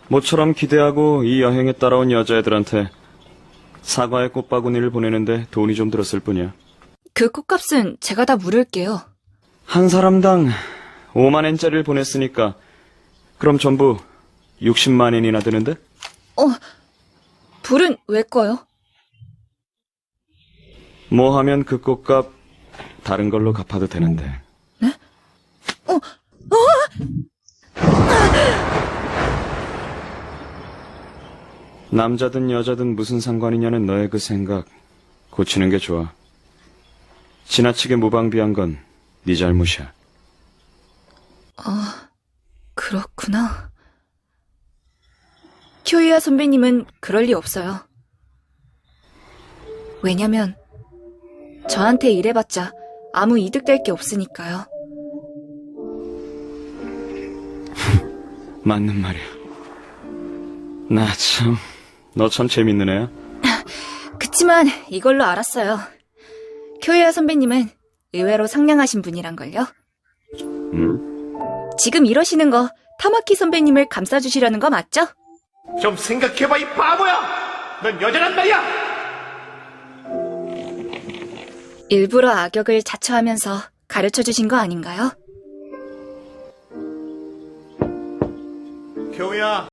모처럼 기대하고 이 여행에 따라온 여자애들한테 사과의 꽃바구니를 보내는데 돈이 좀 들었을 뿐이야. 그 꽃값은 제가 다 물을게요. 한 사람당 5만 엔짜리를 보냈으니까 그럼 전부 60만 엔이나 드는데? 불은 왜 꺼요? 뭐 하면 그 꽃값 다른 걸로 갚아도 되는데. 네? 남자든 여자든 무슨 상관이냐는 너의 그 생각 고치는 게 좋아. 지나치게 무방비한 건 네 잘못이야. 그렇구나. 쿄이아 선배님은 그럴 리 없어요. 왜냐면 저한테 일해봤자 아무 이득될 게 없으니까요. 맞는 말이야. 너 참 재밌는 애야. 그치만 이걸로 알았어요. 쿄이아 선배님은 의외로 상냥하신 분이란걸요. 지금 이러시는 거 타마키 선배님을 감싸주시려는 거 맞죠? 좀 생각해봐, 이 바보야! 넌 여자란 말이야! 일부러 악역을 자처하면서 가르쳐주신 거 아닌가요? 교우야,